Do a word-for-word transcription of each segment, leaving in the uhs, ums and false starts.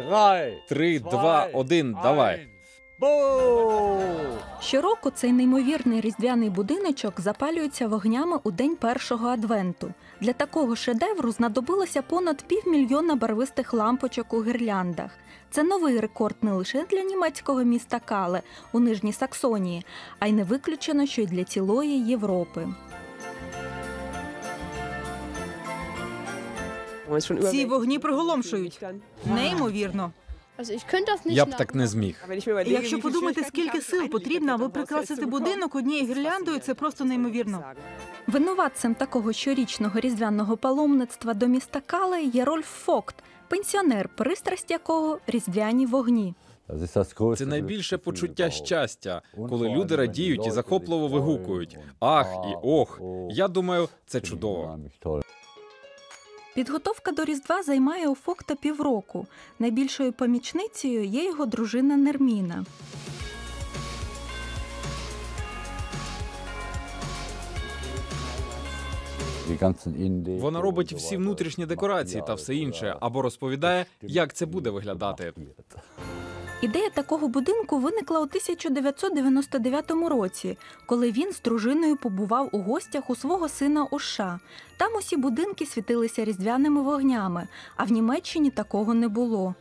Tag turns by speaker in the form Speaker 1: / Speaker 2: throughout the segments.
Speaker 1: Три, два, один, давай.
Speaker 2: Щороку цей неймовірний різдвяний будиночок запалюється вогнями у день першого адвенту. Для такого шедевру знадобилося понад півмільйона барвистих лампочок у гірляндах. Це новий рекорд не лише для німецького міста Кале у Нижній Саксонії, а й не виключено, що й для цілої Європи.
Speaker 3: Ці вогні приголомшують. Неймовірно.
Speaker 1: Я б так не зміг.
Speaker 3: Якщо подумати, скільки сил потрібно, аби прикрасити будинок однією гірляндою, це просто неймовірно.
Speaker 2: Винуватцем такого щорічного різдвяного паломництва до міста Кале є Рольф Фогт, пенсіонер, пристрасть якого – різдвяні вогні.
Speaker 1: Це найбільше почуття щастя, коли люди радіють і захопливо вигукують «Ах» і «Ох». Я думаю, це чудово.
Speaker 2: Підготовка до Різдва займає у Фогта півроку. Найбільшою помічницею є його дружина Нерміна.
Speaker 1: Вона робить всі внутрішні декорації та все інше, або розповідає, як це буде виглядати.
Speaker 2: Ідея такого будинку виникла у тисяча дев'ятсот дев'яносто дев'ятому році, коли він з дружиною побував у гостях у свого сина у США. Там усі будинки світилися різдвяними вогнями, а в Німеччині такого не було.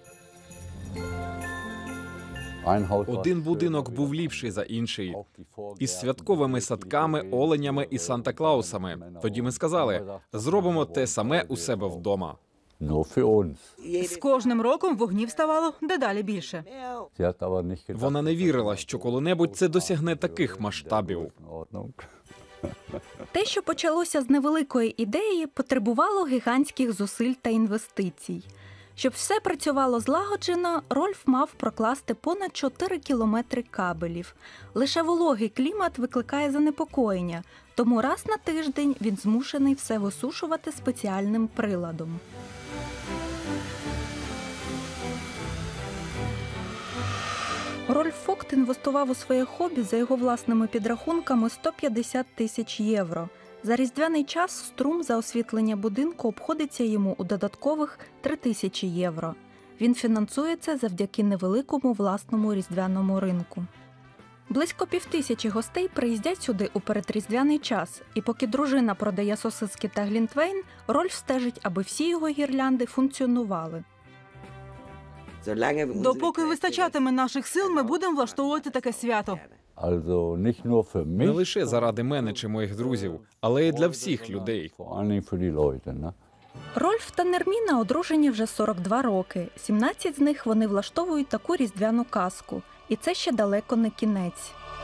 Speaker 1: Один будинок був ліпший за інший. Із святковими садками, оленями і Санта-Клаусами. Тоді ми сказали, зробимо те саме у себе вдома.
Speaker 3: З кожним роком вогнів ставало дедалі більше.
Speaker 1: Вона не вірила, що коли-небудь це досягне таких масштабів.
Speaker 2: Те, що почалося з невеликої ідеї, потребувало гігантських зусиль та інвестицій. Щоб все працювало злагоджено, Рольф мав прокласти понад чотири кілометри кабелів. Лише вологий клімат викликає занепокоєння, тому раз на тиждень він змушений все висушувати спеціальним приладом. Рольф Фогт інвестував у своє хобі за його власними підрахунками сто п'ятдесят тисяч євро. За різдвяний час струм за освітлення будинку обходиться йому у додаткових три тисячі євро. Він фінансується завдяки невеликому власному різдвяному ринку. Близько півтисячі гостей приїздять сюди у передріздвяний час, і поки дружина продає сосиски та глінтвейн, Рольф стежить, аби всі його гірлянди функціонували.
Speaker 3: Допоки вистачатиме наших сил, ми будемо влаштовувати таке свято.
Speaker 1: Не лише заради мене чи моїх друзів, але й для всіх людей.
Speaker 2: Рольф та Нерміна одружені вже сорок два роки. сімнадцять з них вони влаштовують таку різдвяну казку. І це ще далеко не кінець.